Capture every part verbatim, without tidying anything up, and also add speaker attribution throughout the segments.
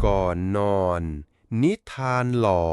Speaker 1: ก่อนนอน นิทานหลอน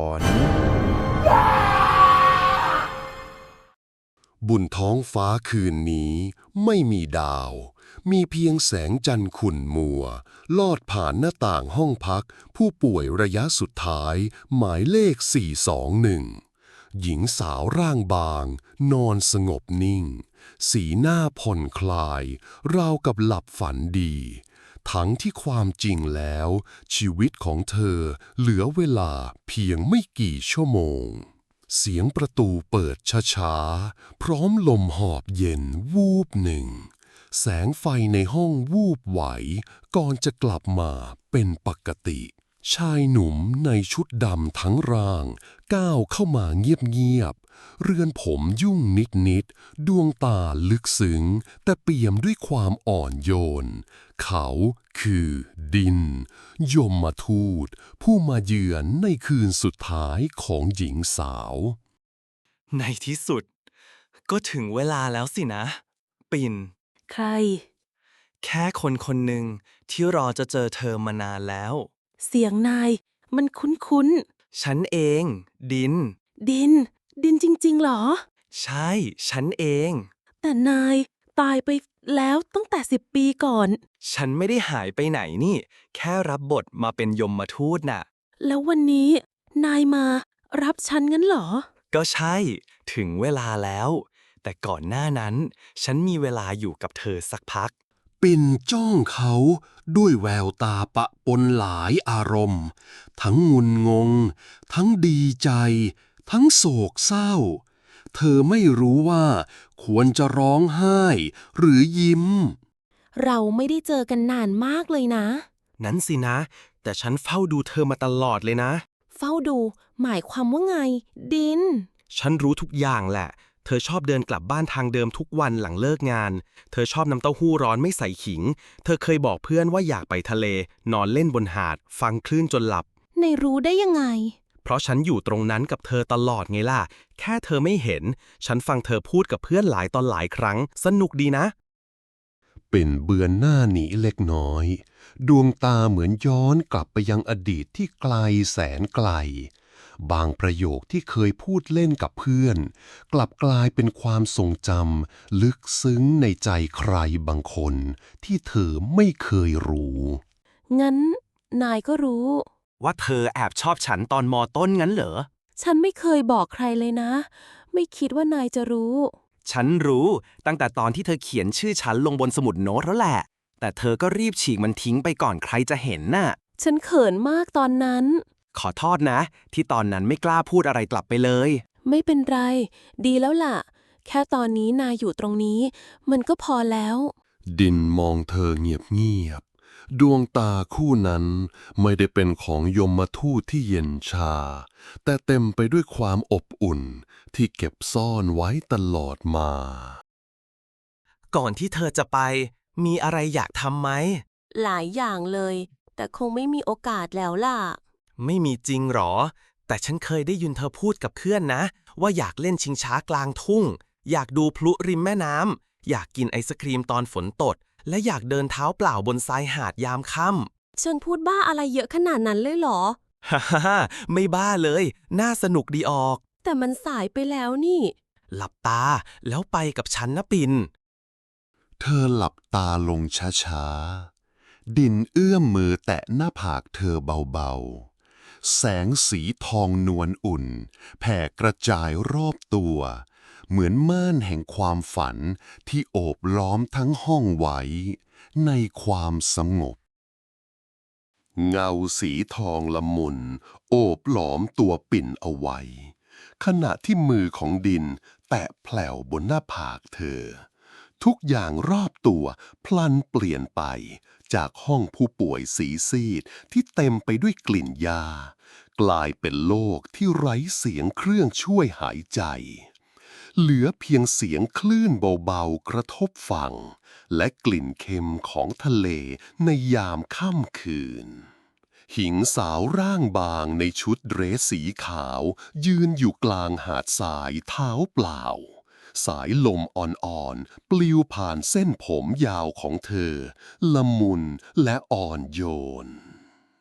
Speaker 2: บนท้องฟ้าคืนนี้ไม่มีดาว มีเพียงแสงจันทร์ขุ่นมัว ลอดผ่านหน้าต่างห้องพัก ผู้ป่วยระยะสุดท้าย หมายเลข สี่สองหนึ่ง หญิงสาวร่างบาง นอนสงบนิ่ง สีหน้าผ่อนคลาย ราวกับหลับฝันดี ทั้งที่ความจริงแล้ว ชีวิตของเธอเหลือเวลาเพียงไม่กี่ชั่วโมง เสียงประตูเปิดช้าๆ พร้อมลมหอบเย็นวูบหนึ่ง แสงไฟในห้องวูบไหว ก่อนจะกลับมาเป็นปกติ ชายหนุ่มในชุดดำทั้งร่างก้าวเข้ามาเงียบๆ เรือนผมยุ่งนิดๆ ดวงตาลึกซึ้งแต่เปี่ยมด้วยความอ่อนโยน เขาคือดิน ยมทูตผู้มาเยือนในคืนสุดท้ายของหญิงสาว
Speaker 3: ในที่สุด ก็ถึงเวลาแล้วสินะ ปิ่น
Speaker 4: ใคร
Speaker 3: แค่คนคนหนึ่งที่รอจะเจอเธอมานานแล้ว
Speaker 4: เสียงนาย มันคุ้น
Speaker 3: ฉันเอง ดิน
Speaker 4: ๆ ดิน ดินจริงๆ เหรอ
Speaker 3: ใช่ ฉันเอง
Speaker 4: แต่นายตายไปแล้วตั้งแต่สิบปีก่อน
Speaker 3: ฉันไม่ได้หายไปไหนนี่ แค่รับบทมาเป็นยมทูตน่ะ
Speaker 4: แล้ววันนี้ นายมารับฉันงั้นเหรอ
Speaker 3: ก็ใช่ ถึงเวลาแล้ว แต่ก่อนหน้านั้น ฉันมีเวลาอยู่กับเธอสักพัก
Speaker 2: ปิ่นจ้องเขาด้วยแววตาปะปนหลายอารมณ์ ทั้งงุนงง ทั้งดีใจ ทั้งโศกเศร้า เธอไม่รู้ว่าควรจะร้องไห้ หรือยิ้ม
Speaker 4: เราไม่ได้เจอกันนานมากเลยนะ
Speaker 3: นั้นสินะ แต่ฉันเฝ้าดูเธอมาตลอดเลยนะ
Speaker 4: เฝ้าดู หมายความว่าไง ดิน
Speaker 3: ฉันรู้ทุกอย่างแหละ เธอชอบเดินกลับบ้านทางเดิมทุกวันหลังเลิกงาน เธอชอบน้ำเต้าหู้ร้อนไม่ใส่ขิง เธอเคยบอกเพื่อนว่าอยากไปทะเล นอนเล่นบนหาด ฟังคลื่นจนหลับ
Speaker 4: ในรู้ได้ยังไง
Speaker 3: เพราะฉันอยู่ตรงนั้นกับเธอตลอดไงล่ะ แค่เธอไม่เห็น ฉันฟังเธอพูดกับเพื่อนหลายตอนหลายครั้ง สนุกดีนะ
Speaker 2: เป็นเบือนหน้าหนีเล็กน้อย ดวงตาเหมือนย้อนกลับไปยังอดีตที่ไกลแสนไกล บางประโยคที่เคยพูดเล่นกับเพื่อน กลับกลายเป็นความทรงจำลึกซึ้งในใจใครบางคนที่เธอไม่เคยรู้
Speaker 4: งั้น นายก็รู้
Speaker 3: ว่าเธอแอบชอบฉันตอนมอต้นงั้นเหรอ
Speaker 4: ฉันไม่เคยบอกใครเลยนะ ไม่คิดว่านายจะรู้
Speaker 3: ฉันรู้ตั้งแต่ตอนที่เธอเขียนชื่อฉันลงบนสมุดโน้ตแล้วแหละ แต่เธอก็รีบฉีกมันทิ้งไปก่อนใครจะเห็นน่ะ
Speaker 4: ฉันเขินมากตอนนั้น
Speaker 3: ขอโทษนะ ที่ตอนนั้นไม่กล้าพูดอะไรกลับไปเลย
Speaker 4: ไม่เป็นไร ดีแล้วล่ะ แค่ตอนนี้นายอยู่ตรงนี้ มันก็พอแล้ว
Speaker 2: ดินมองเธอเงียบๆ ดวงตาคู่นั้นไม่ได้เป็นของยมทูตที่เย็นชา แต่เต็มไปด้วยความอบอุ่นที่เก็บซ่อนไว้ตลอดมา
Speaker 3: ก่อนที่เธอจะไป มีอะไรอยากทำไหม
Speaker 4: หลายอย่างเลย แต่คงไม่มีโอกาสแล้วล่ะ
Speaker 3: ไม่มีจริงหรอ แต่ฉันเคยได้ยินเธอพูดกับเพื่อนนะ ว่าอยากเล่นชิงช้ากลางทุ่ง อยากดูพลุริมแม่น้ำ อยากกินไอศครีมตอนฝนตก และอยากเดินเท้าเปล่าบนทรายหาดยามค่ำ
Speaker 4: ฉันพูดบ้าอะไรเยอะขนาดนั้นเลยเหรอ
Speaker 3: ฮ่าฮ่าไม่บ้าเลย น่าสนุกดีออก
Speaker 4: แต่มันสายไปแล้วนี่
Speaker 3: หลับตาแล้วไปกับฉันนะปิน
Speaker 2: เธอหลับตาลงช้าๆ ดินเอื้อมมือแตะหน้าผากเธอเบาๆ แสงสีทองนวลอุ่น แผ่กระจายรอบตัว เหมือนม่านแห่งความฝันที่โอบล้อมทั้งห้องไว้ ในความสงบ เงาสีทองละมุน โอบหลอมตัวปิ่นเอาไว้ ขณะที่มือของดินแตะแผ่วบนหน้าผากเธอ ทุกอย่างรอบตัวพลันเปลี่ยนไปจากห้องผู้ป่วยสีซีดที่เต็มไปด้วยกลิ่นยา กลายเป็นโลกที่ไร้เสียงเครื่องช่วยหายใจ เหลือเพียงเสียงคลื่นเบาๆกระทบฝั่งและกลิ่นเค็มของทะเลในยามค่ำคืน หญิงสาวร่างบางในชุดเดรสสีขาวยืนอยู่กลางหาดทรายเท้าเปล่า สายลมอ่อนๆปลิวผ่านเส้นผมยาวของเธอ ละมุนและอ่อนโยน
Speaker 4: ท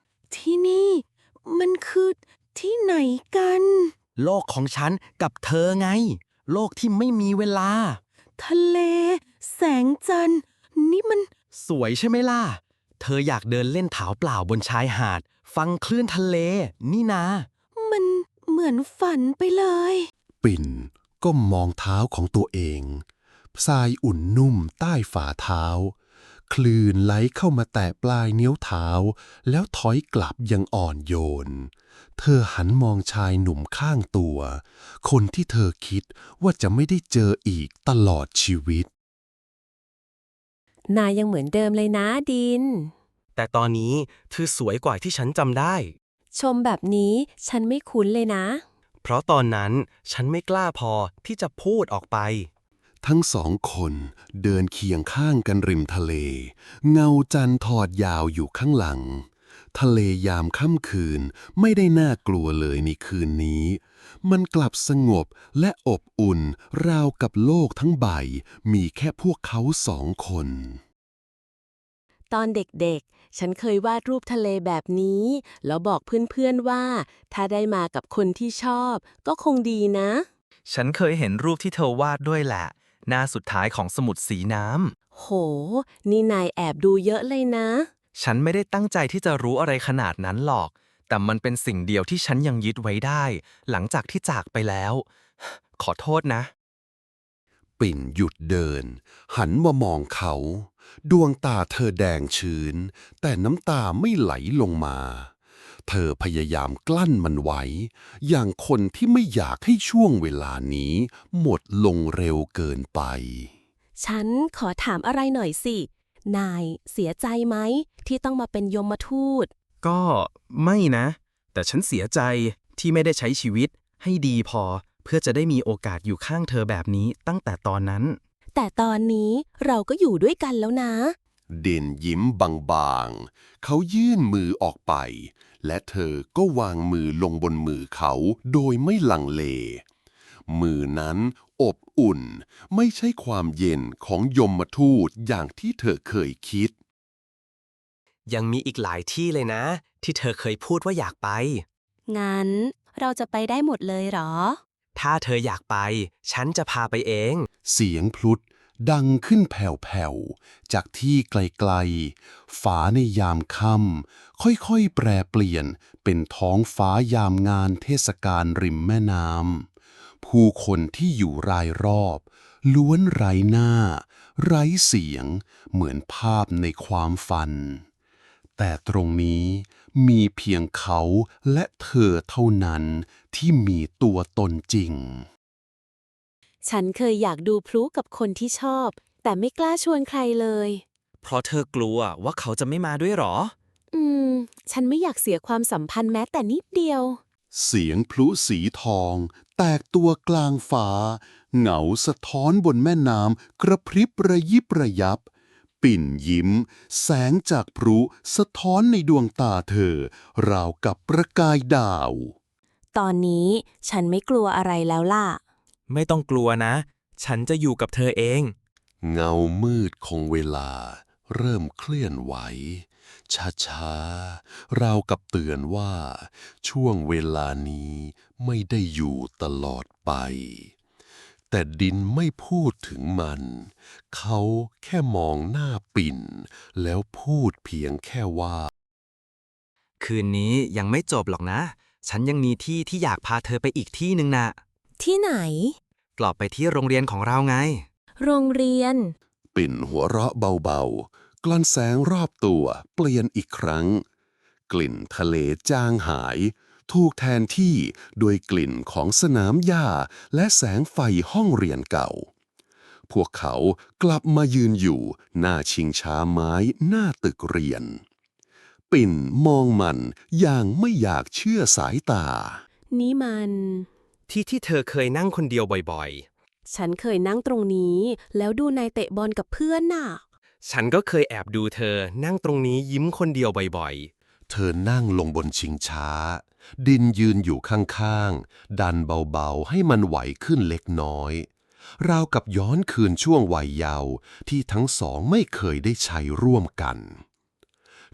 Speaker 4: ที่นี่ มันคือที่ไหนกัน
Speaker 3: โลกของฉันกับเธอไง โลกที่ไม่มีเวลา
Speaker 4: ทะเล แสงจันทร์นี่มัน
Speaker 3: สวยใช่ไหมล่ะ เธออยากเดินเล่นเท้าเปล่าบนชายหาด ฟังคลื่นทะเล นี่นะ
Speaker 4: มันเหมือนฝันไปเลย
Speaker 2: ปิ่นก้มมองเท้าของตัวเองทรายอุ่นนุ่มใต้ฝ่าเท้า คลื่นไหลเข้ามาแตะปลายนิ้วเท้า แล้วถอยกลับอยังอ่อนโยน เธอหันมองชายหนุ่มข้างตัว คนที่เธอคิดว่าจะไม่ได้เจออีกตลอดชีวิต
Speaker 4: นายยังเหมือนเดิมเลยนะดิน
Speaker 3: แต่ตอนนี้เธอสวยกว่าที่ฉันจำได้
Speaker 4: ชมแบบนี้ฉันไม่คุ้นเลยนะ
Speaker 3: เพราะตอนนั้นฉันไม่กล้าพอที่จะพูดออกไป
Speaker 2: ทั้งสองคนเดินเคียงข้างกันริมทะเล เงาจันทร์ทอดยาวอยู่ข้างหลัง ทะเลยามค่ำคืนไม่ได้น่ากลัวเลยในคืนนี้ มันกลับสงบและอบอุ่นราวกับโลกทั้งใบมีแค่พวกเขาสองคน
Speaker 4: ตอนเด็กๆ ฉันเคยวาดรูปทะเลแบบนี้ แล้วบอกเพื่อนๆว่า ถ้าได้มากับคนที่ชอบ ก็คงดีนะ
Speaker 5: ฉันเคยเห็นรูปที่เธอวาดด้วยแหละ หน้าสุดท้ายของสมุดสีน้
Speaker 4: โห นี่นายแอบดูเยอะเลยนะ
Speaker 5: ำ ฉันไม่ได้ตั้งใจที่จะรู้อะไรขนาดนั้นหรอก แต่มันเป็นสิ่งเดียวที่ฉันยังยึดไว้ได้ หลังจากที่จากไปแล้ว ขอโทษนะ
Speaker 2: ปิ่นหยุดเดิน หันมามองเขา ดวงตาเธอแดงชื้น แต่น้ำตาไม่ไหลลงมา เธอพยายามกลั้นมันไว้ อย่างคนที่ไม่อยากให้ช่วงเวลานี้ หมดลงเร็วเกินไป
Speaker 4: ฉันขอถามอะไรหน่อยสิ นายเสียใจไหม ที่ต้องมาเป็นยมทูต
Speaker 5: ก็ไม่นะ แต่ฉันเสียใจที่ไม่ได้ใช้ชีวิตให้ดีพอ เพื่อจะได้มีโอกาสอยู่ข้างเธอแบบนี้ตั้งแต่ตอนนั้น
Speaker 4: แต่ตอนนี้เราก็อยู่ด้วยกันแล้วนะ
Speaker 2: เด่นยิ้มบางๆ เขายื่นมือออกไป และเธอก็วางมือลงบนมือเขาโดยไม่ลังเล มือนั้นอบอุ่น ไม่ใช่ความเย็นของยมทูตอย่างที่เธอเคยคิด
Speaker 3: ยังมีอีกหลายที่เลยนะ ที่เธอเคยพูดว่าอยากไป
Speaker 4: งั้นเราจะไปได้หมดเลยเหรอ
Speaker 3: ถ้าเธออยากไป ฉันจะพาไปเอง
Speaker 2: เสียงพลุดดังขึ้นแผ่วๆ จากที่ไกลๆ ฝาในยามค่ำค่อยๆ แปรเปลี่ยนเป็นท้องฟ้ายามงานเทศกาลริมแม่น้ำ ผู้คนที่อยู่รายรอบ ล้วนไร้หน้า ไร้เสียงเหมือนภาพในความฝัน แต่ตรงนี้มีเพียงเขาและเธอเท่านั้นที่มีตัวตนจริง
Speaker 4: ฉันเคยอยากดูพลุกับคนที่ชอบ แต่ไม่กล้าชวนใครเลย
Speaker 5: เพราะเธอกลัวว่าเขาจะไม่มาด้วยหรอ
Speaker 4: อืม ฉันไม่อยากเสียความสัมพันธ์แม้แต่นิดเดียว
Speaker 2: เสียงพลุสีทอง แตกตัวกลางฟ้า เหงาสะท้อนบนแม่น้ำกระพริบระยิบระยับ ปิ่นยิ้ม แสงจากพลุสะท้อนในดวงตาเธอ ราวกับประกายดาว
Speaker 4: ตอนนี้ฉันไม่กลัวอะไรแล้วล่ะ
Speaker 5: ไม่ต้องกลัวนะ ฉันจะอยู่กับเธอเอง
Speaker 2: เงามืดของเวลา เริ่มเคลื่อนไหว ช้าๆ ราวกับเตือนว่า ช่วงเวลานี้ไม่ได้อยู่ตลอดไป แต่ดินไม่พูดถึงมัน เขาแค่มองหน้าปิ่น แล้วพูดเพียงแค่ว่า
Speaker 5: คืนนี้ยังไม่จบหรอกนะ ฉันยังมีที่ที่อยากพาเธอไปอีกที่หนึ่งนะ
Speaker 4: ที่ไหน
Speaker 5: กลับไปที่โรงเรียนของเราไง
Speaker 4: โรงเรียน
Speaker 2: ปิ่นหัวเราะเบาๆ กลั่นแสงรอบตัวเปลี่ยนอีกครั้ง กลิ่นทะเลจางหาย ถูกแทนที่ด้วยกลิ่นของสนามหญ้าและแสงไฟห้องเรียนเก่า พวกเขากลับมายืนอยู่หน้าชิงช้าไม้หน้าตึกเรียน ปิ่นมองมันอย่างไม่อยากเชื่อสายตา
Speaker 4: นี่มัน
Speaker 3: ที่ที่เธอเคยนั่งคนเดียวบ่อย
Speaker 4: ฉันเคยนั่งตรงนี้ แล้วดูนายเตะบอลกับเพื่อนน่ะ
Speaker 3: ๆ ฉันก็เคยแอบดูเธอนั่งตรงนี้ยิ้มคนเดียวบ่อย
Speaker 2: เธอนั่งลงบนชิงช้า ดินยืนอยู่ข้างๆ ดันเบาๆ ให้มันไหวขึ้นเล็กน้อย ราวกับย้อนคืนช่วงวัยเยาว์ที่ทั้งสองไม่เคยได้ใช้ร่วมกัน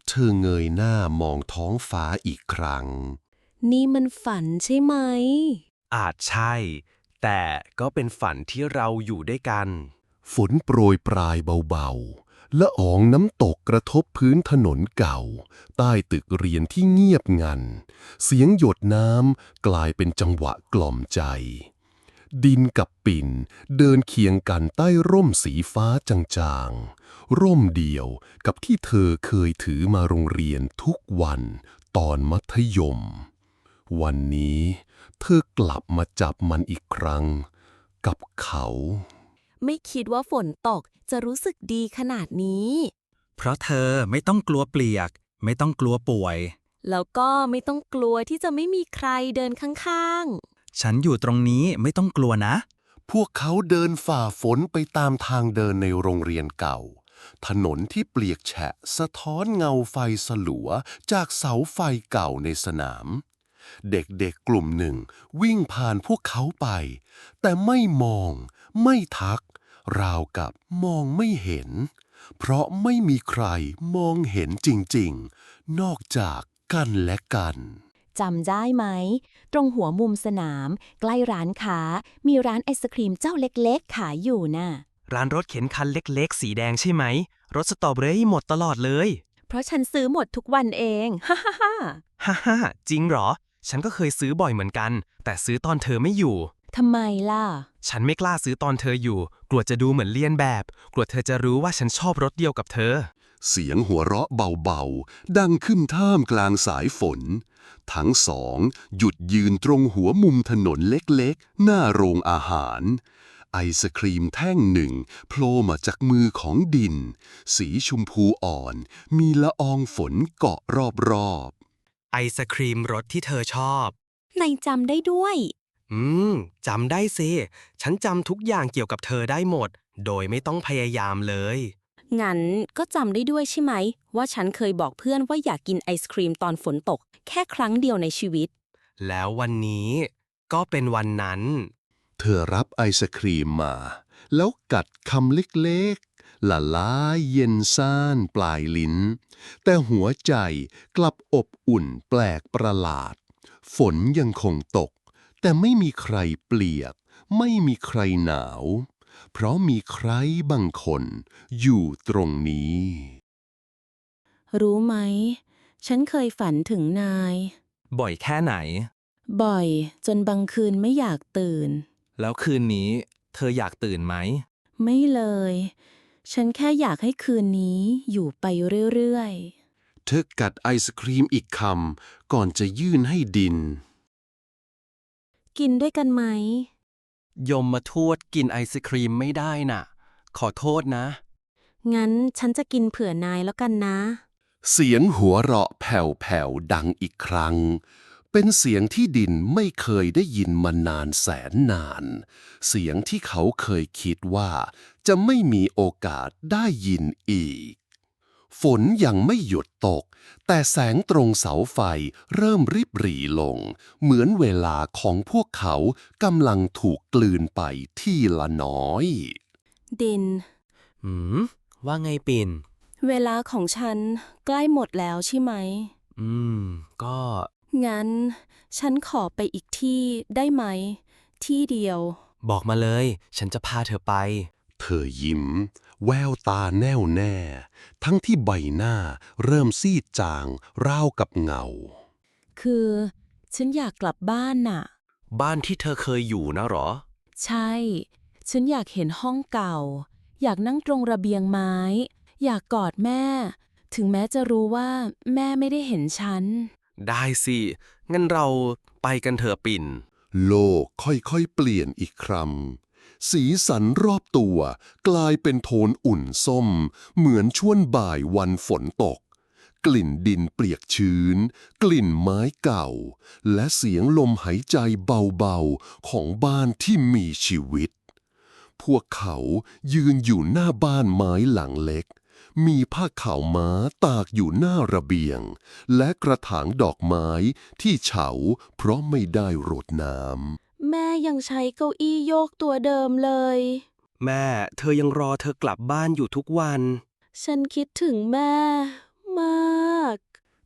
Speaker 2: เธอเงยหน้ามองท้องฟ้าอีกครั้ง
Speaker 4: นี่มันฝันใช่ไหม
Speaker 3: อาจใช่ แต่ก็เป็นฝันที่เราอยู่ด้วยกัน
Speaker 2: ฝนโปรยปลายเบาๆละอองน้ำตกกระทบพื้นถนนเก่า ใต้ตึกเรียนที่เงียบงัน เสียงหยดน้ำกลายเป็นจังหวะกล่อมใจ ดินกับปิ่นเดินเคียงกันใต้ร่มสีฟ้าจางๆ ร่มเดียวกับที่เธอเคยถือมาโรงเรียนทุกวันตอนมัธยม วันนี้เธอกลับมาจับมันอีกครั้ง กับเขา
Speaker 4: ไม่คิดว่าฝนตกจะรู้สึกดีขนาดนี้
Speaker 6: เพราะเธอไม่ต้องกลัวเปียก ไม่ต้องกลัวป่วย
Speaker 4: แล้วก็ไม่ต้องกลัวที่จะไม่มีใครเดินข้าง
Speaker 6: ฉันอยู่ตรงนี้ไม่ต้องกลัวนะ
Speaker 2: พวกเขาเดินฝ่าฝนไปตามทางเดินในโรงเรียนเก่า ถนนที่เปียกแฉะสะท้อนเงาไฟสลัวจากเสาไฟเก่าในสนาม เด็กๆกลุ่มหนึ่งวิ่งผ่านพวกเขาไป แต่ไม่มองไม่ทัก ราวกับมองไม่เห็น เพราะไม่มีใครมองเห็นจริงๆ นอกจากกันและกัน
Speaker 7: จำได้ไหม ตรงหัวมุมสนาม ใกล้ร้านค้า มีร้านไอศครีมเจ้าเล็กๆ ขายอยู่น่ะ
Speaker 3: ร้านรถเข็นคันเล็กๆ สีแดงใช่ไหม รถสตรอเบอรี่หมดตลอดเลย
Speaker 7: เพราะฉันซื้อหมดทุกวันเอง ฮ่าฮ่าฮ่า
Speaker 3: ฮ่าฮ่าจริงเหรอ ฉันก็เคยซื้อบ่อยเหมือนกัน แต่ซื้อตอนเธอไม่อยู่
Speaker 7: ทำไมล่ะ
Speaker 3: ฉันไม่กล้าซื้อตอนเธออยู่ กลัวจะดูเหมือนเลียนแบบ กลัวเธอจะรู้ว่าฉันชอบรถเดียวกับเธอ
Speaker 2: เสียงหัวเราะเบาๆ ดังขึ้นท่ามกลางสายฝน ทั้งสองหยุดยืนตรงหัวมุมถนนเล็กๆ หน้าโรงอาหาร ไอศครีมแท่งหนึ่งโผล่มาจากมือของดิน สีชมพูอ่อน มีละอองฝนเกาะรอบๆ
Speaker 3: ไอศครีมรสที่เธอชอบ
Speaker 7: ในจำได้ด้วย
Speaker 3: อืมจำได้สิ ฉันจำทุกอย่างเกี่ยวกับเธอได้หมด โดยไม่ต้องพยายามเลย
Speaker 4: ๆ งั้นก็จำได้ด้วยใช่ไหม ว่าฉันเคยบอกเพื่อนว่าอยากกินไอศครีมตอนฝนตก แค่ครั้งเดียวในชีวิต
Speaker 3: แล้ววันนี้ก็เป็นวันนั้น
Speaker 2: เธอรับไอศครีมมา แล้วกัดคำเล็กๆ ละลายเย็นซ่านปลายลิ้น แต่หัวใจกลับอบอุ่นแปลกประหลาด ฝนยังคงตก แต่ไม่มีใครเปียก ไม่มีใครหนาว เพราะมีใครบางคนอยู่ตรงนี้
Speaker 4: รู้ไหม ฉันเคยฝันถึงนาย
Speaker 5: บ่อยแค่ไหน
Speaker 4: บ่อยจนบางคืนไม่อยากตื่น
Speaker 5: แล้วคืนนี้เธออยากตื่นไหม
Speaker 4: ไม่เลย ฉันแค่อยากให้คืนนี้อยู่ไปเรื่อย
Speaker 2: เธอกัดไอศครีมอีกคำก่อนจะยื่นให้ดิน
Speaker 4: ๆ กินด้วยกันไหม
Speaker 3: ยมมาทวดกินไอศครีมไม่ได้น่ะ ขอโทษนะ
Speaker 4: งั้นฉันจะกินเผื่อนายแล้วกันนะ
Speaker 2: เสียงหัวเราะแผ่วๆดังอีกครั้ง เป็นเสียงที่ดินไม่เคยได้ยินมานานแสนนาน เสียงที่เขาเคยคิดว่าจะไม่มีโอกาสได้ยินอีก ฝนยังไม่หยุดตก แต่แสงตรงเสาไฟเริ่มริบหรี่ลง เหมือนเวลาของพวกเขากำลังถูกกลืนไปทีละน้อย
Speaker 4: ดิน
Speaker 3: หืม ว่าไงปิ่น
Speaker 4: เวลาของฉันใกล้หมดแล้วใช่ไหม
Speaker 3: อืม ก็
Speaker 4: งั้นฉันขอไปอีกที่ได้ไหม ที่เดียว
Speaker 3: บอกมาเลย ฉันจะพาเธอไป
Speaker 2: เธอยิ้ม แววตาแน่วแน่ ทั้งที่ใบหน้าเริ่มซีดจางราวกับเงา
Speaker 4: คือฉันอยากกลับบ้านน่ะ
Speaker 3: บ้านที่เธอเคยอยู่นะหรอ
Speaker 4: ใช่ ฉันอยากเห็นห้องเก่า อยากนั่งตรงระเบียงไม้ อยากกอดแม่ ถึงแม้จะรู้ว่าแม่ไม่ได้เห็นฉัน
Speaker 3: ได้สิ งั้นเราไปกันเถอะปิ่น
Speaker 2: โลกค่อยๆเปลี่ยนอีกครั้ง สีสันรอบตัวกลายเป็นโทนอุ่นส้ม เหมือนช่วงบ่ายวันฝนตก กลิ่นดินเปียกชื้น กลิ่นไม้เก่า และเสียงลมหายใจเบาๆของบ้านที่มีชีวิต พวกเขายืนอยู่หน้าบ้านไม้หลังเล็ก มีผ้าขาวม้าตากอยู่หน้าระเบียง และกระถางดอกไม้ที่เฉาเพราะไม่ได้รดน้ำ
Speaker 4: แม่ยังใช้เก้าอี้โยกตัวเดิมเลย
Speaker 3: แม่ เธอยังรอเธอกลับบ้านอยู่ทุกวัน
Speaker 4: ฉันคิดถึงแม่ มาก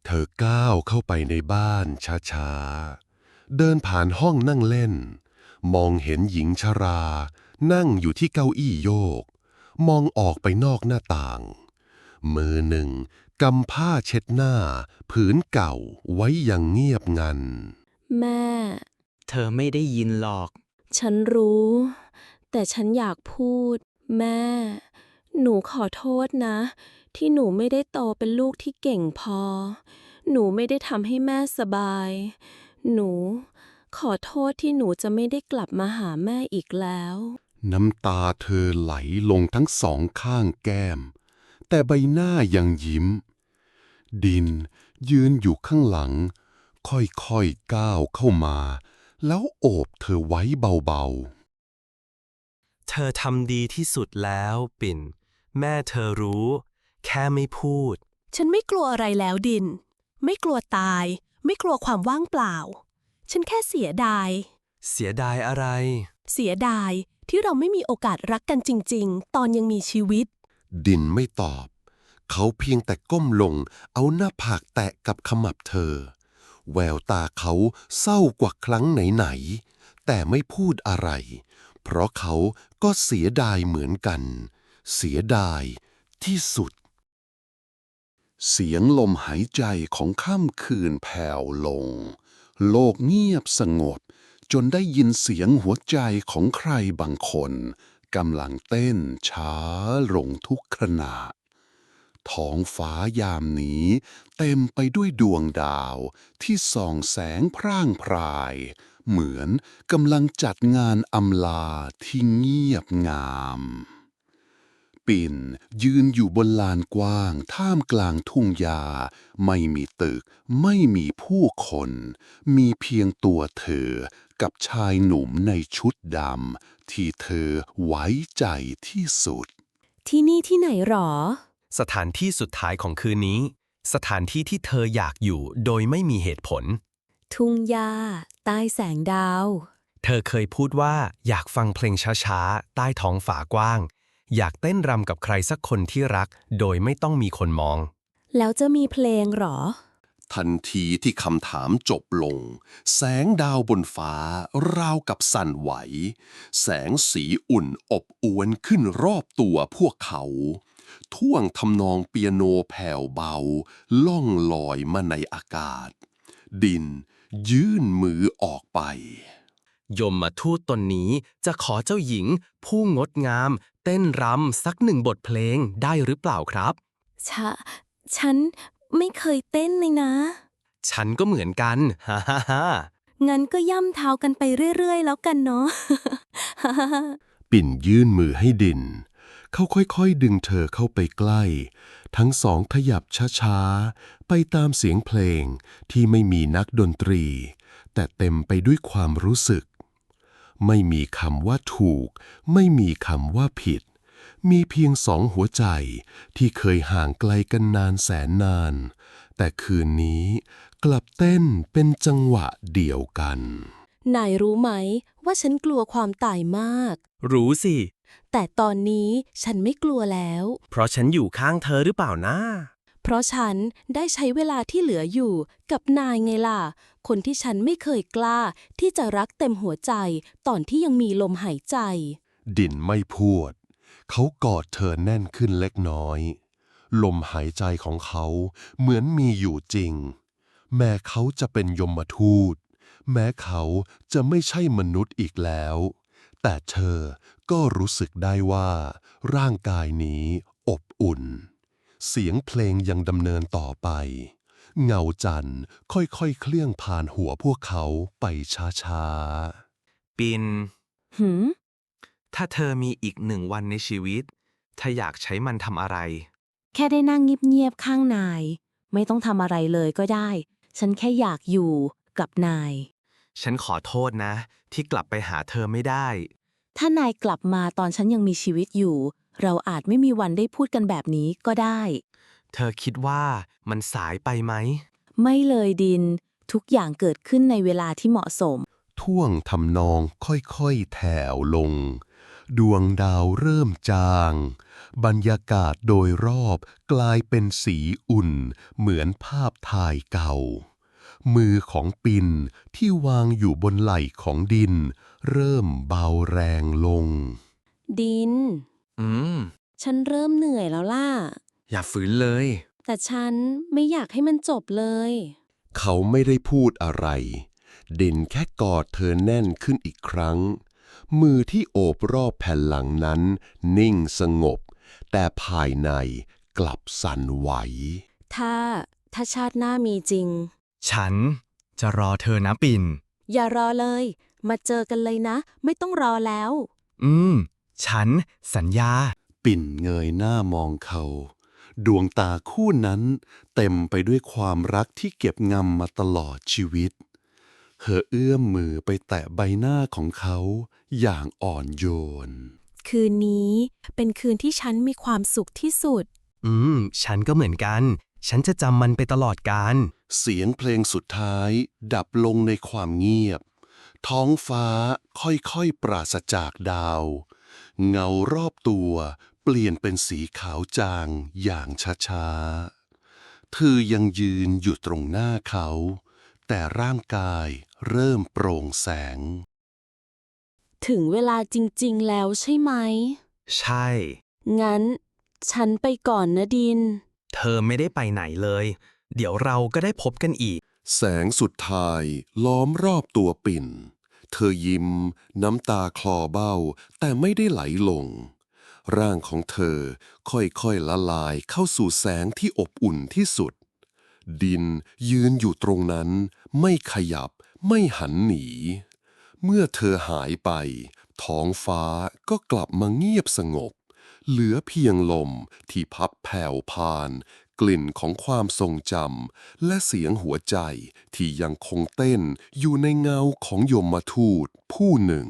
Speaker 2: เธอก้าวเข้าไปในบ้านช้าๆ เดินผ่านห้องนั่งเล่น มองเห็นหญิงชรานั่งอยู่ที่เก้าอี้โยก มองออกไปนอกหน้าต่าง มือหนึ่งกำผ้าเช็ดหน้าผืนเก่าไว้อย่างเงียบงัน
Speaker 4: แม่
Speaker 5: เธอไม่ได้ยินหรอก
Speaker 4: ฉันรู้ แต่ฉันอยากพูด แม่ หนูขอโทษนะ ที่หนูไม่ได้โตเป็นลูกที่เก่งพอ หนูไม่ได้ทำให้แม่สบาย หนู ขอโทษที่หนูจะไม่ได้กลับมาหาแม่อีกแล้ว
Speaker 2: น้ำตาเธอไหลลงทั้งสองข้างแก้ม แต่ใบหน้ายังยิ้ม ดินยืนอยู่ข้างหลัง ค่อยๆก้าวเข้ามา แล้วโอบเธอไว้เบาๆ
Speaker 3: เธอทำดีที่สุดแล้วปิ่น แม่เธอรู้ แค่ไม่พูด
Speaker 8: ฉันไม่กลัวอะไรแล้วดิน ไม่กลัวตาย ไม่กลัวความว่างเปล่า ฉันแค่เสียดาย
Speaker 3: เสียดายอะไร
Speaker 8: เสียดายที่เราไม่มีโอกาสรักกันจริงๆ ตอนยังมีชีวิต
Speaker 2: ดินไม่ตอบ เขาเพียงแต่ก้มลงเอาหน้าผากแตะกับขมับเธอ แววตาเขาเศร้ากว่าครั้งไหนๆ แต่ไม่พูดอะไร เพราะเขาก็เสียดายเหมือนกัน เสียดายที่สุด เสียงลมหายใจของค่ำคืนแผ่วลง โลกเงียบสงบ จนได้ยินเสียงหัวใจของใครบางคนกำลังเต้นช้าลงทุกขณะ ท้องฟ้ายามนี้เต็มไปด้วยดวงดาวที่ส่องแสงพร่างพราย เหมือนกำลังจัดงานอำลาที่เงียบงาม ปิ่นยืนอยู่บนลานกว้างท่ามกลางทุ่งหญ้าไม่มีตึกไม่มีผู้คน มีเพียงตัวเธอกับชายหนุ่มในชุดดำที่เธอไว้ใจที่สุด
Speaker 8: ที่นี่ที่ไหนหรอ
Speaker 3: สถานที่สุดท้ายของคืนนี้ สถานที่ที่เธออยากอยู่โดยไม่มีเหตุผล
Speaker 8: ทุ่งหญ้าใต้แสงดาว
Speaker 3: เธอเคยพูดว่าอยากฟังเพลงช้าๆ ใต้ท้องฝากว้าง อยากเต้นรำกับใครสักคนที่รัก โดยไม่ต้องมีคนมอง
Speaker 8: แล้วจะมีเพลงหรอ
Speaker 2: ทันทีที่คำถามจบลง แสงดาวบนฟ้าราวกับสั่นไหว แสงสีอุ่นอบอวนขึ้นรอบตัวพวกเขา ท่วงทำนองเปียโนแผ่วเบา ล่องลอยมาในอากาศ ดินยื่นมือออกไป
Speaker 3: ยมมาทูตตนนี้จะขอเจ้าหญิง ผู้งดงาม เต้นรำสักหนึ่งบทเพลงได้หรือเปล่าครับ
Speaker 8: ชะ ฉันไม่เคยเต้นเลยนะ
Speaker 3: ฉันก็เหมือนกัน ฮ่าฮ่าฮ่า
Speaker 8: งั้นก็ย่ำเท้ากันไปเรื่อยๆ แล้วกันเนาะ
Speaker 2: ปิ่นยื่นมือให้ดิน เขาค่อยๆดึงเธอเข้าไปใกล้ ทั้งสองขยับช้าๆ ไปตามเสียงเพลงที่ไม่มีนักดนตรี แต่เต็มไปด้วยความรู้สึก ไม่มีคำว่าถูก ไม่มีคำว่าผิด มีเพียงสองหัวใจที่เคยห่างไกลกันนานแสนนาน แต่คืนนี้กลับเต้นเป็นจังหวะเดียวกัน
Speaker 8: นายรู้ไหมว่าฉันกลัวความตายมาก
Speaker 3: รู้สิ
Speaker 8: แต่ตอนนี้ฉันไม่กลัวแล้ว
Speaker 3: เพราะฉันอยู่ข้างเธอหรือเปล่านะ
Speaker 8: เพราะฉันได้ใช้เวลาที่เหลืออยู่กับนายไงล่ะ คนที่ฉันไม่เคยกล้าที่จะรักเต็มหัวใจตอนที่ยังมีลมหายใจ
Speaker 2: ดินไม่พูด เขากอดเธอแน่นขึ้นเล็กน้อย ลมหายใจของเขาเหมือนมีอยู่จริง แม้เขาจะเป็นยมทูต แม้เขาจะไม่ใช่มนุษย์อีกแล้ว แต่เธอก็รู้สึกได้ว่าร่างกายนี้อบอุ่น เสียงเพลงยังดำเนินต่อไป เงาจันทร์ค่อยๆเคลื่อนผ่านหัวพวกเขาไปช้าๆ
Speaker 3: ปิน
Speaker 8: หืม
Speaker 3: ถ้าเธอมีอีกหนึ่งวันในชีวิตเธออยากใช้มันทำอะไร
Speaker 8: แค่ได้นั่งเงียบๆข้างนาย ไม่ต้องทำอะไรเลยก็ได้ ฉันแค่อยากอยู่กับนาย
Speaker 3: ฉันขอโทษนะ ที่กลับไปหาเธอไม่ได้
Speaker 8: ถ้านายกลับมาตอนฉันยังมีชีวิตอยู่ เราอาจไม่มีวันได้พูดกันแบบนี้ก็ได้
Speaker 3: เธอคิดว่ามันสายไปไหม
Speaker 8: ไม่เลยดิน ทุกอย่างเกิดขึ้นในเวลาที่เหมาะสม
Speaker 2: ท่วงทำนองค่อยๆแถวลงดวงดาวเริ่มจาง บรรยากาศโดยรอบกลายเป็นสีอุ่นเหมือนภาพถ่ายเก่า มือของปิ่นที่วางอยู่บนไหล่ของดิน เริ่มเบาแรงลง
Speaker 4: ดิน
Speaker 3: อืม
Speaker 4: ฉันเริ่มเหนื่อยแล้วล่ะ
Speaker 3: อย่าฝืนเลย
Speaker 4: แต่ฉันไม่อยากให้มันจบเลย
Speaker 2: เขาไม่ได้พูดอะไร ดินแค่กอดเธอแน่นขึ้นอีกครั้ง มือที่โอบรอบแผ่นหลังนั้น นิ่งสงบ แต่ภายในกลับสั่นไหว
Speaker 4: ถ้า ถ้าชาติหน้ามีจริง
Speaker 5: ฉันจะรอเธอนะปิ่น
Speaker 8: อย่ารอเลย มาเจอกันเลยนะ ไม่ต้องรอแล้ว
Speaker 5: อืม ฉันสัญญา
Speaker 2: ปิ่นเงยหน้ามองเขา ดวงตาคู่นั้นเต็มไปด้วยความรักที่เก็บงำมาตลอดชีวิต เธอเอื้อมมือไปแตะใบหน้าของเขาอย่างอ่อนโยน
Speaker 8: คืนนี้เป็นคืนที่ฉันมีความสุขที่สุด
Speaker 3: อืม ฉันก็เหมือนกัน ฉันจะจำมันไปตลอดกาล
Speaker 2: เสียงเพลงสุดท้ายดับลงในความเงียบ ท้องฟ้าค่อยๆปราศจากดาว เงารอบตัวเปลี่ยนเป็นสีขาวจางอย่างช้าๆ เธอยังยืนอยู่ตรงหน้าเขา แต่ร่างกายเริ่มโปร่งแสง
Speaker 8: ถึงเวลาจริงๆแล้วใช่ไหม
Speaker 3: ใช่
Speaker 8: งั้น ฉันไปก่อนนะดิน
Speaker 3: เธอไม่ได้ไปไหนเลย เดี๋ยวเราก็ได้พบกันอีก
Speaker 2: แสงสุดท้ายล้อมรอบตัวปิ่น เธอยิ้มน้ำตาคลอเบ้าแต่ไม่ได้ไหลลง ร่างของเธอค่อยๆละลายเข้าสู่แสงที่อบอุ่นที่สุด ดินยืนอยู่ตรงนั้นไม่ขยับไม่หันหนี เมื่อเธอหายไป ท้องฟ้าก็กลับมาเงียบสงบ เหลือเพียงลมที่พับแผ่วพาน กลิ่นของความทรงจำและเสียงหัวใจที่ยังคงเต้นอยู่ในเงาของยมทูตผู้หนึ่ง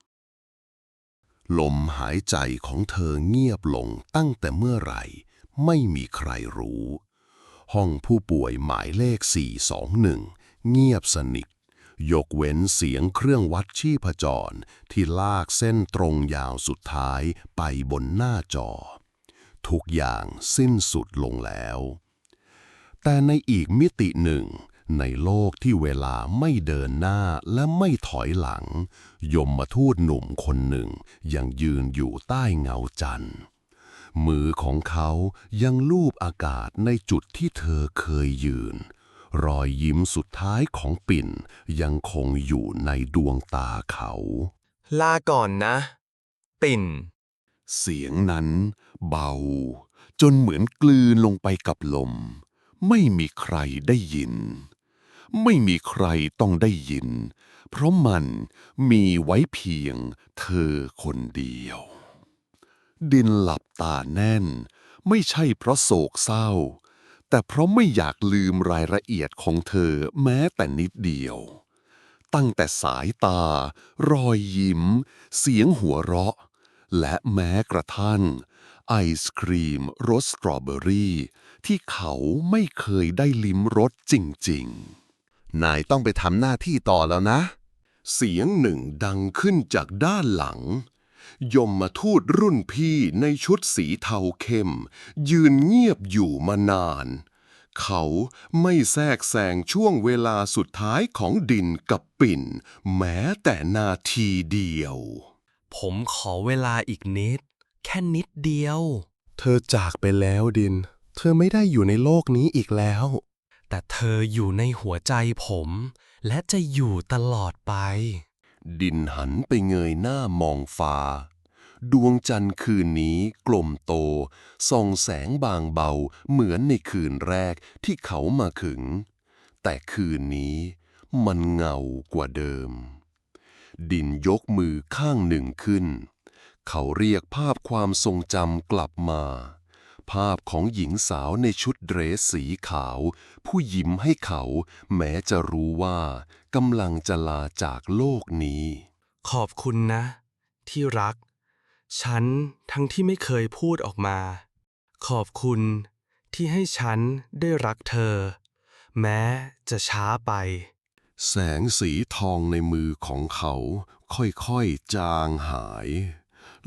Speaker 2: ลมหายใจของเธอเงียบลงตั้งแต่เมื่อไหร่ไม่มีใครรู้ ห้องผู้ป่วยหมายเลข สี่สองหนึ่ง เงียบสนิท ยกเว้นเสียงเครื่องวัดชีพจรที่ลากเส้นตรงยาวสุดท้ายไปบนหน้าจอ ทุกอย่างสิ้นสุดลงแล้ว แต่ในอีกมิติหนึ่ง ในโลกที่เวลาไม่เดินหน้าและไม่ถอยหลัง ยมทูตหนุ่มคนหนึ่งยังยืนอยู่ใต้เงาจันทร์ มือของเขายังลูบอากาศในจุดที่เธอเคยยืน รอยยิ้มสุดท้ายของปิ่นยังคงอยู่ในดวงตาเขา
Speaker 3: ลาก่อนนะ ปิ่น
Speaker 2: เสียงนั้นเบาจนเหมือนกลืนลงไปกับลม ไม่มีใครได้ยิน ไม่มีใครต้องได้ยิน เพราะมันมีไว้เพียงเธอคนเดียว ดินหลับตาแน่นไม่ใช่เพราะโศกเศร้า แต่เพราะไม่อยากลืมรายละเอียดของเธอแม้แต่นิดเดียว ตั้งแต่สายตา รอยยิ้ม เสียงหัวเราะ และแม้กระทั่งไอศครีมรสสตรอเบอรี่ที่เขาไม่เคยได้ลิ้มรสจริงๆ นายต้องไปทำหน้าที่ต่อแล้วนะ เสียงหนึ่งดังขึ้นจากด้านหลัง ยมทูตรุ่นพี่ในชุดสีเทาเข้ม ยืนเงียบอยู่มานาน เขาไม่แทรกแซงช่วงเวลาสุดท้ายของดินกับปิ่น แม้แต่นาทีเดียว
Speaker 3: ผมขอเวลาอีกนิด แค่นิดเดียว
Speaker 1: เธอจากไปแล้วดิน เธอไม่ได้อยู่ในโลกนี้อีกแล้ว
Speaker 3: แต่เธออยู่ในหัวใจผม และจะอยู่ตลอดไป
Speaker 2: ดินหันไปเงยหน้ามองฟ้า ดวงจันทร์คืนนี้กลมโตส่องแสงบางเบาเหมือนในคืนแรกที่เขามาถึง แต่คืนนี้มันเงากว่าเดิม ดินยกมือข้างหนึ่งขึ้น เขาเรียกภาพความทรงจำกลับมา ภาพของหญิงสาวในชุดเดรสสีขาว ผู้ยิ้มให้เขาแม้จะรู้ว่ากำลังจะลาจากโลกนี้
Speaker 3: ขอบคุณนะ ที่รัก ฉันทั้งที่ไม่เคยพูดออกมา ขอบคุณที่ให้ฉันได้รักเธอ แม้จะช้าไป
Speaker 2: แสงสีทองในมือของเขาค่อยๆจางหาย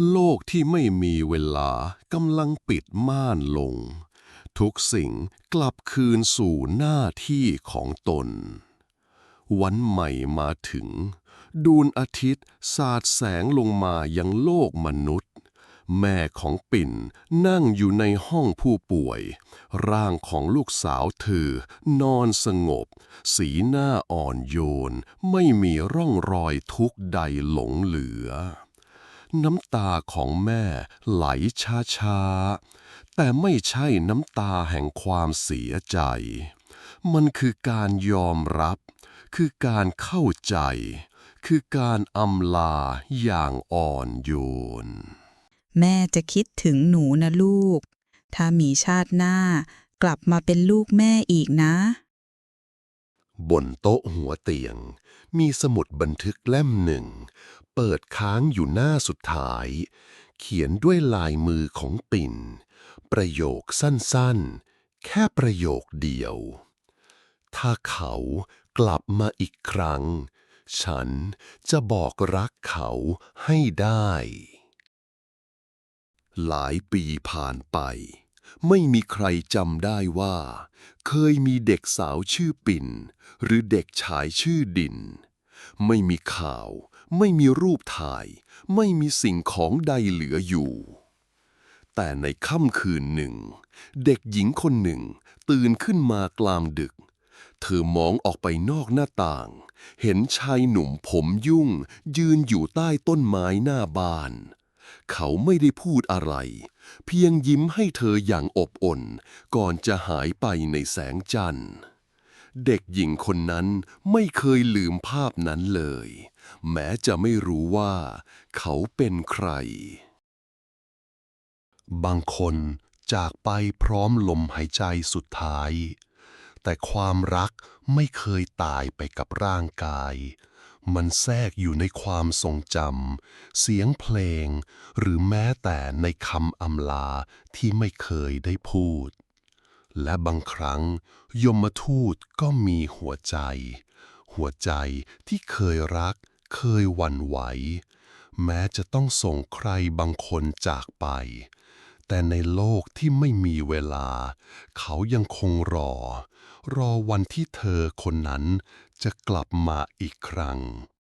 Speaker 1: โลกที่ไม่มีเวลากำลังปิดม่านลง ทุกสิ่งกลับคืนสู่หน้าที่ของตน วันใหม่มาถึง ดวงอาทิตย์สาดแสงลงมายังโลกมนุษย์ แม่ของปิ่นนั่งอยู่ในห้องผู้ป่วย ร่างของลูกสาวเธอนอนสงบ สีหน้าอ่อนโยนไม่มีร่องรอยทุกข์ใดหลงเหลือ น้ำตาของแม่ไหลช้าๆ แต่ไม่ใช่น้ำตาแห่งความเสียใจ มันคือการยอมรับ คือการเข้าใจ คือการอำลาอย่างอ่อนโยน
Speaker 9: แม่จะคิดถึงหนูนะลูก ถ้ามีชาติหน้ากลับมาเป็นลูกแม่อีกนะ
Speaker 1: บนโต๊ะหัวเตียง มีสมุดบันทึกเล่มหนึ่ง เปิดค้างอยู่หน้าสุดท้าย เขียนด้วยลายมือของปิ่น ประโยคสั้นๆ แค่ประโยคเดียว ถ้าเขากลับมาอีกครั้ง ฉันจะบอกรักเขาให้ได้ หลายปีผ่านไป ไม่มีใครจำได้ว่า เคยมีเด็กสาวชื่อปิ่น หรือเด็กชายชื่อดิน ไม่มีข่าว ไม่มีรูปถ่าย ไม่มีสิ่งของใดเหลืออยู่ แต่ในค่ำคืนหนึ่ง เด็กหญิงคนหนึ่งตื่นขึ้นมากลางดึก เธอมองออกไปนอกหน้าต่าง เห็นชายหนุ่มผมยุ่งยืนอยู่ใต้ต้นไม้หน้าบ้าน เขาไม่ได้พูดอะไร เพียงยิ้มให้เธออย่างอบอุ่นก่อนจะหายไปในแสงจันทร์ เด็กหญิงคนนั้นไม่เคยลืมภาพนั้นเลย แม้จะไม่รู้ว่าเขาเป็นใคร บางคนจากไปพร้อมลมหายใจสุดท้าย แต่ความรักไม่เคยตายไปกับร่างกาย มันแทรกอยู่ในความทรงจำ เสียงเพลง หรือแม้แต่ในคำอำลาที่ไม่เคยได้พูด และบางครั้งยมทูตก็มีหัวใจ หัวใจที่เคยรัก เคยหวั่นไหว แม้จะต้องส่งใครบางคนจากไป แต่ในโลกที่ไม่มีเวลา เขายังคงรอ รอวันที่เธอคนนั้นจะกลับมาอีกครั้ง